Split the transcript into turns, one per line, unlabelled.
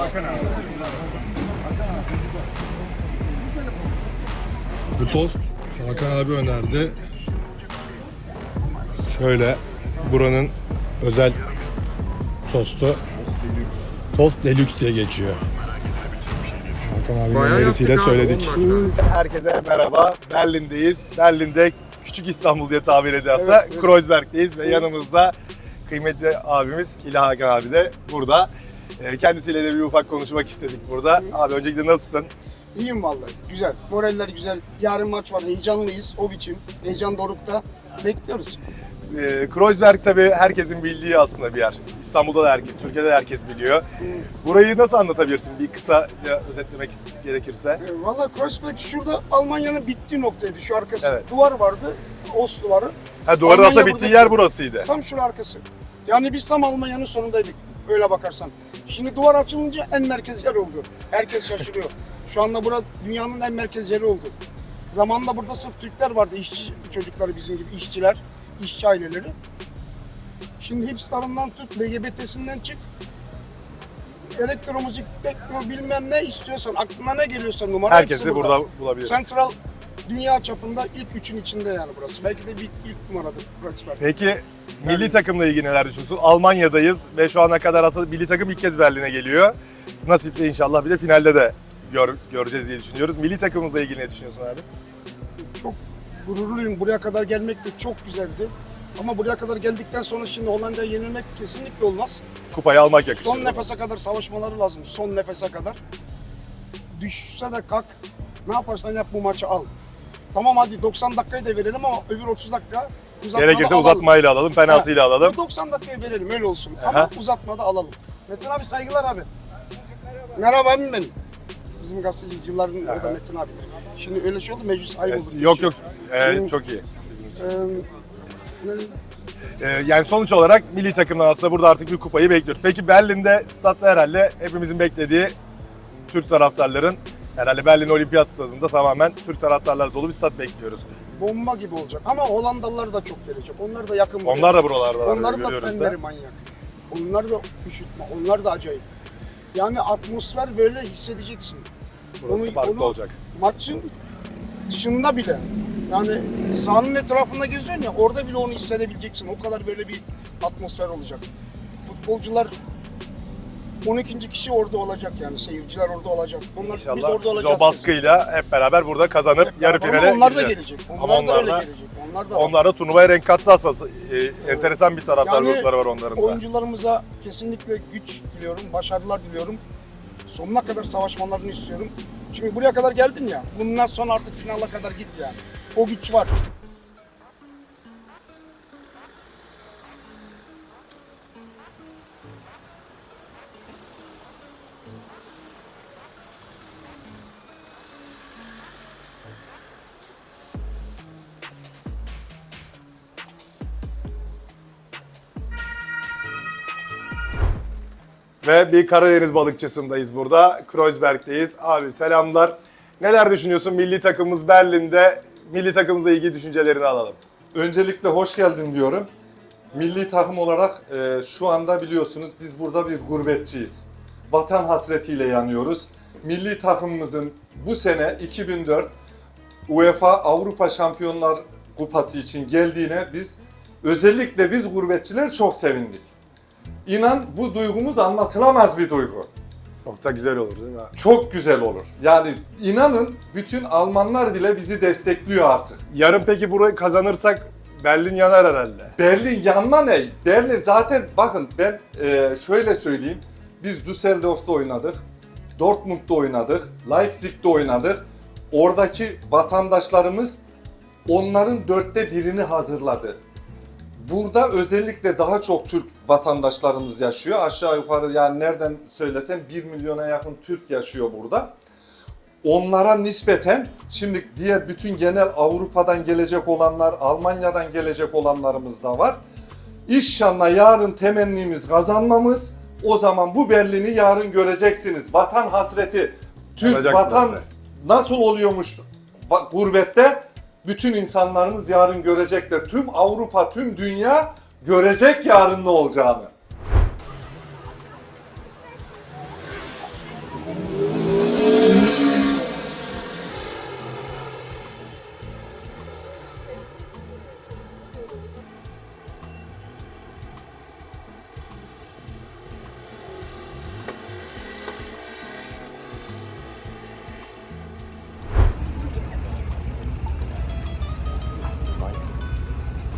Bu tost Hakan abi önerdi. Şöyle buranın özel tostu. Tost Deluxe diye geçiyor. Hakan abinin
Bayağı
önerisiyle
yaptık abi,
söyledik.
10 dakika.
Herkese merhaba. Berlin'deyiz. Berlin'de Küçük İstanbul diye tabir ediyorsa Kreuzberg'deyiz ve yanımızda kıymetli abimiz Hilal Hakan abi de burada. Kendisiyle de bir ufak konuşmak istedik burada. Abi öncelikle nasılsın?
İyiyim vallahi. Güzel. Moraller güzel. Yarın maç var. Heyecanlıyız. O biçim. Heyecan dorukta. Bekliyoruz.
Kreuzberg tabii herkesin bildiği aslında bir yer. İstanbul'da da herkes, Türkiye'de de herkes biliyor. Burayı nasıl anlatabilirsin bir kısaca özetlemek gerekirse?
Vallahi Kreuzberg şurada Almanya'nın bittiği noktaydı. Şu arkası.
Evet.
Duvar vardı. Ost duvarı.
Ha, duvarın
Almanya
aslında bittiği
burada-
yer burasıydı.
Tam şu arkası. Yani biz tam Almanya'nın sonundaydık. Öyle bakarsan. Şimdi duvar açılınca en merkez yer oldu. Herkes şaşırıyor. Şu anda burada dünyanın en merkez yeri oldu. Zamanında burada sırf Türkler vardı. İşçi çocukları bizim gibi işçiler, işçi aileleri. Şimdi hipsterından tut, LGBT'sinden çık. Elektromüzik, tekno bilmem ne istiyorsan, aklına ne geliyorsa numara
Herkesi
hepsi
burada bulabiliriz.
Central dünya çapında ilk üçün içinde yani burası. Belki de ilk numaradır Kreuzberg.
Peki milli takımla ilgili neler düşünüyorsun? Almanya'dayız ve şu ana kadar aslında milli takım ilk kez Berlin'e geliyor. Nasipse inşallah bir de finalde de göreceğiz diye düşünüyoruz. Milli takımımızla ilgili ne düşünüyorsun abi?
Çok gururluyum. Buraya kadar gelmek de çok güzeldi. Ama buraya kadar geldikten sonra şimdi Hollanda'ya yenilmek kesinlikle olmaz.
Kupayı almak yakışır.
Son nefese kadar savaşmaları lazım. Son nefese kadar. Düşse de kalk. Ne yaparsan yap bu maçı al. Tamam hadi 90 dakikayı da verelim ama öbür 30 dakika uzatmada
Gerekirse
alalım.
uzatmayla alalım, penaltıyla alalım.
90 dakikayı verelim öyle olsun.
Aha.
Ama uzatmada alalım. Metin abi saygılar abi. Merhaba abim benim. Bizim gazeteci yılların orada Metin abidir. Şimdi öyle şey oldu meclis ayıp oldu.
Yok yok,
Benim-
çok iyi.
Ne-
Yani sonuç olarak milli takımdan aslında burada artık bir kupayı bekliyoruz. Peki Berlin'de statta herhalde hepimizin beklediği Türk taraftarların, herhalde Berlin Olimpiyat Stadı'nda tamamen Türk taraftarlar dolu bir stat bekliyoruz.
Bomba gibi olacak ama Hollandalılar da çok gelecek. Onlar da yakın. buraya.
Onlar da buralarda var.
Onların da
görüyoruz
fenleri manyak. Onlar da üşütme. Onlar da acayip. Yani atmosfer böyle hissedeceksin.
Burası farklı olacak.
Maçın dışında bile. Yani sahanın etrafında geziyorsun ya orada bile onu hissedebileceksin. O kadar böyle bir atmosfer olacak. Futbolcular 12. kişi orada olacak yani seyirciler orada olacak. Onlar biz
İnşallah
orada
biz
olacağız.
o baskıyla hep beraber burada kazanıp
Hep
yarı
beraber.
finale
Ama onlar da
gideceğiz.
gelecek.
Ama
Onlar da öyle
onlar da,
gelecek. Onlar da var.
onlar da turnuvaya renk kattı aslında. Enteresan bir taraftar
Yani
grupları var onların da.
oyuncularımıza kesinlikle güç diliyorum, başarılar diliyorum. Sonuna kadar savaşmalarını istiyorum. Çünkü buraya kadar geldin ya, bundan sonra artık finala kadar git yani. O güç var.
Ve bir Karadeniz balıkçısındayız burada. Kreuzberg'deyiz. Abi selamlar. Neler düşünüyorsun milli takımımız Berlin'de? Milli takımımızla ilgili düşüncelerini alalım.
Öncelikle hoş geldin diyorum. Milli takım olarak şu anda biliyorsunuz biz burada bir gurbetçiyiz. Vatan hasretiyle yanıyoruz. Milli takımımızın bu sene 2004 UEFA Avrupa Şampiyonlar Kupası için geldiğine özellikle biz gurbetçiler çok sevindik. İnan bu duygumuz anlatılamaz bir duygu.
Çok da güzel olur değil mi?
Çok güzel olur. Yani inanın bütün Almanlar bile bizi destekliyor artık.
Yarın peki burayı kazanırsak Berlin yanar herhalde.
Berlin yanma ne? Berlin zaten bakın ben şöyle söyleyeyim. Biz Düsseldorf'ta oynadık. Dortmund'da oynadık. Leipzig'te oynadık. Oradaki vatandaşlarımız onların 1/4'ünü hazırladı. Burada özellikle daha çok Türk vatandaşlarımız yaşıyor. Aşağı yukarı yani nereden söylesem 1 milyona yakın Türk yaşıyor burada. Onlara nispeten şimdi diğer bütün genel Avrupa'dan gelecek olanlar, Almanya'dan gelecek olanlarımız da var. İnşallah yarın temennimiz kazanmamız. O zaman bu Berlin'i yarın göreceksiniz. Vatan hasreti, Türk
Olacak
vatan
burası.
nasıl oluyormuş gurbette? Bütün insanlarımız yarın görecekler. Tüm Avrupa, tüm dünya görecek yarın ne olacağını.